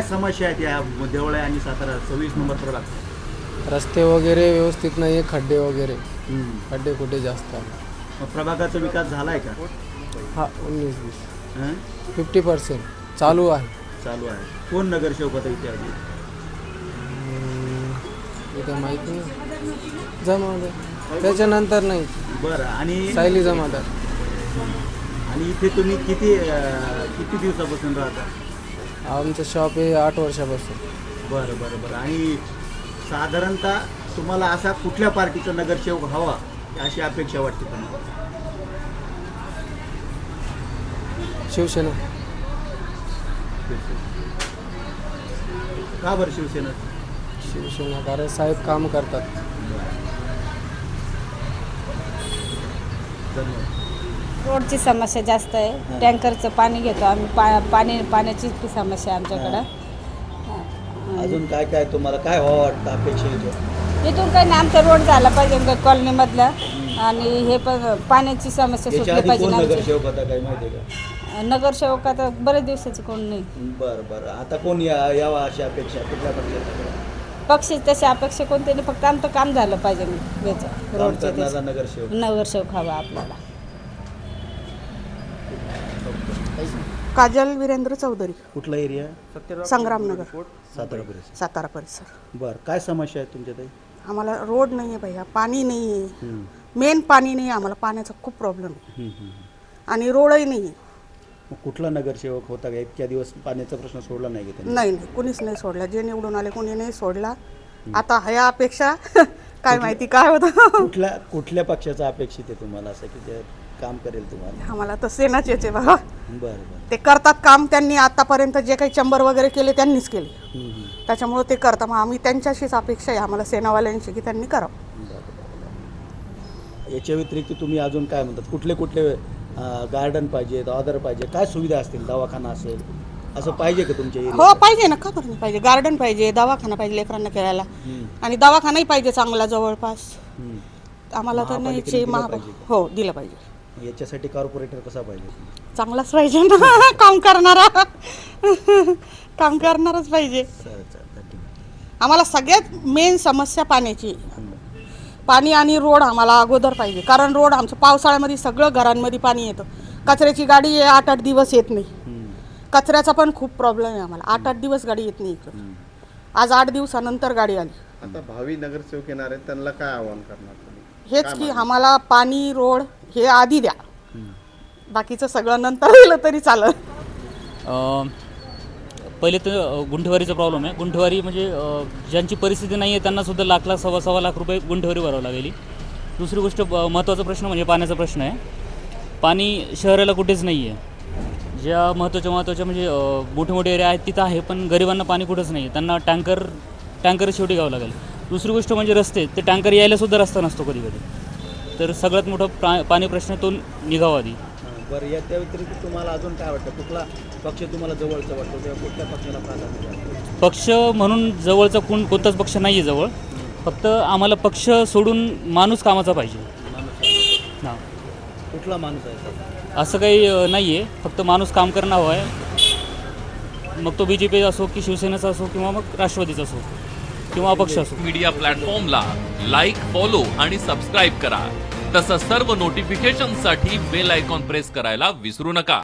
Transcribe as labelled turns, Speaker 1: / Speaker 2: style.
Speaker 1: काय समस्या आहेत या देवळा आणि सातारा 26 नंबर प्रभाग?
Speaker 2: रस्ते वगैरे व्यवस्थित नाही आहे, खड्डे वगैरे खड्डे कुठे जास्त आहे.
Speaker 1: मग प्रभागाचा विकास झालाय का?
Speaker 2: हा 19-20
Speaker 1: हं?
Speaker 2: 50% चालू आहे.
Speaker 1: चालू आहे. कोण नगरसेवक होता इथे आधी?
Speaker 2: इथं माहिती नाही. जमादार त्याच्यानंतर नाही.
Speaker 1: बरं. आणि
Speaker 2: सायली जमादार.
Speaker 1: आणि इथे तुम्ही किती दिवसापासून राहता?
Speaker 2: आमचं शॉप आहे 8 वर्षापासून.
Speaker 1: बरं बरं बरं. आणि साधारणतः तुम्हाला असा कुठल्या पार्टीचा नगरसेवक हवा अशी अपेक्षा वाटते तुम्हाला?
Speaker 2: शिवसेना.
Speaker 1: का बरं शिवसेना?
Speaker 2: शिवसेना कारण साहेब काम करतात.
Speaker 1: धन्यवाद.
Speaker 3: रोडची समस्या जास्त आहे. टँकरचं पाणी घेतो आम्ही, पाण्याचीच ती समस्या आहे आमच्याकडं.
Speaker 1: अजून काय काय तुम्हाला काय व्हावं वाटतं अपेक्षा येतो?
Speaker 3: इथून काही नाही, आमचा रोड झाला पाहिजे कॉलनीमधला. आणि हे पण पाण्याची समस्या
Speaker 1: याच्या
Speaker 3: सुटली
Speaker 1: आधी
Speaker 3: पाहिजे
Speaker 1: कोण
Speaker 3: आमची.
Speaker 1: नगरसेवक होता काही माहिती आहे का?
Speaker 3: नगरसेवक आता बरेच दिवसाचं कोण नाही.
Speaker 1: बरं बरं. आता कोण यावा अशी अपेक्षा कुठल्या पक्षाचा?
Speaker 3: पक्षी तशी अपेक्षा कोणते नाही, फक्त आमचं काम झालं पाहिजे याचं
Speaker 1: काम
Speaker 3: रोडचं.
Speaker 1: करणारा नगरसेवक.
Speaker 3: नगरसेवक हवा आपल्याला.
Speaker 4: काजल वीरेंद्र चौधरी,
Speaker 1: कुठला एरिया?
Speaker 4: संग्रामनगर,
Speaker 1: सातारा परिसर.
Speaker 4: सातारा परिसर.
Speaker 1: बरं. काय समस्या आहेत तुमच्या ताई?
Speaker 4: आम्हाला रोड नाही आहे भैया, पाणी नाही आहे. मेन पाणी नाही आहे आम्हाला, पाण्याचा खूप प्रॉब्लेम आहे. आणि रोडही नाही आहे.
Speaker 1: मग कुठला नगरसेवक होता का इतक्या दिवस पाण्याचा प्रश्न सोडला नाही का त्यांनी?
Speaker 4: नाही नाही, कुणीच नाही सोडला. जे निवडून आले कोणी नाही सोडला. आता ह्या अपेक्षा काय माहिती काय होतं.
Speaker 1: कुठल्या पक्षाचा अपेक्षित आहे तुम्हाला असं की ते काम करेल तुम्हाला?
Speaker 4: आम्हाला तर सेनाचेच आहे बाबा.
Speaker 1: बरं बरं.
Speaker 4: ते करतात काम. त्यांनी आतापर्यंत जे काही चंबर वगैरे केले त्यांनीच केले, त्याच्यामुळे ते करतात. मग आम्ही त्यांच्याशीच अपेक्षा आहे आम्हाला सेनावाल्यांची की त्यांनी करावं.
Speaker 1: याच्या व्यतिरिक्त तुम्ही अजून काय म्हणतात? कुठले कुठले गार्डन पाहिजेत, ऑदर पाहिजे, काय सुविधा असतील? दवाखाना असेल असं पाहिजे का तुमच्या
Speaker 4: हो
Speaker 1: एरियात?
Speaker 4: पाहिजे ना, का बरं नाही पाहिजे. गार्डन पाहिजे, दवाखाना पाहिजे लेकरांना खेळायला. आणि दवाखानाही पाहिजे चांगला जवळपास. आम्हाला तर नाही हो दिलं पाहिजे.
Speaker 1: याच्यासाठी कॉर्पोरेटर कसा पाहिजे?
Speaker 4: चांगलाच पाहिजे ना. काम करणारा. काम करणारच पाहिजे. आम्हाला सगळ्यात मेन समस्या पाण्याची. पाणी आणि रोड आम्हाला अगोदर पाहिजे, कारण रोड आमचं पावसाळ्यामध्ये सगळं घरांमध्ये पाणी येतं. कचऱ्याची गाडी 8-8 दिवस येत नाही. कचऱ्याचा पण खूप प्रॉब्लेम आहे आम्हाला. 8-8 दिवस गाडी येत नाही इकडं. आज 8 दिवसानंतर गाडी आली.
Speaker 5: आता भावी नगरसेवक येणार आहेत, त्यांना काय आव्हान करणार तुम्ही?
Speaker 4: हेच की आम्हाला पाणी रोड हे आधी द्या, बाकीचं सगळं नंतर दिलं तरी चालेल.
Speaker 6: पहिले तर गुंठेवारीचा प्रॉब्लेम आहे. गुंठेवारी म्हणजे ज्यांची परिस्थिती नाही आहे त्यांनासुद्धा लाख सव्वा लाख रुपये गुंठेवारी भरावं लागेल. दुसरी गोष्ट महत्त्वाचा प्रश्न म्हणजे पाण्याचा प्रश्न आहे. पाणी शहराला कुठेच नाही आहे. ज्या महत्त्वाच्या म्हणजे मोठे मोठे एरिया आहेत तिथं आहे, पण गरिबांना पाणी कुठंच नाही आहे. त्यांना टँकर शेवटी घ्यावं लागेल. दुसरी गोष्ट म्हणजे रस्ते, ते टँकर यायलासुद्धा रस्ता नसतो कधी कधी. तर सगळ्यात मोठा पाणी प्रश्न तो निघावा आधी.
Speaker 1: बरं. या त्या व्यतिरिक्त तुम्हाला अजून काय वाटतं? कुठला पक्ष तुम्हाला जवळचा वाटतो किंवा कुठल्या पक्षाला प्राधान्य वाटतं?
Speaker 6: पक्ष म्हणून जवळचा कोणताच पक्ष नाही आहे जवळ. फक्त आम्हाला पक्ष सोडून माणूस कामाचा पाहिजे. हां.
Speaker 1: कुठला माणूस आहे?
Speaker 6: असं काही नाही आहे. फक्त माणूस काम करणं हवं आहे. मग तो BJP असो की शिवसेनेचा असो किंवा मग राष्ट्रवादीचा असो किंवा अपक्ष असो.
Speaker 7: मीडिया प्लॅटफॉर्मला लाईक, फॉलो आणि सबस्क्राईब करा. तसंच सर्व नोटिफिकेशनसाठी बेल आयकॉन प्रेस करायला विसरू नका.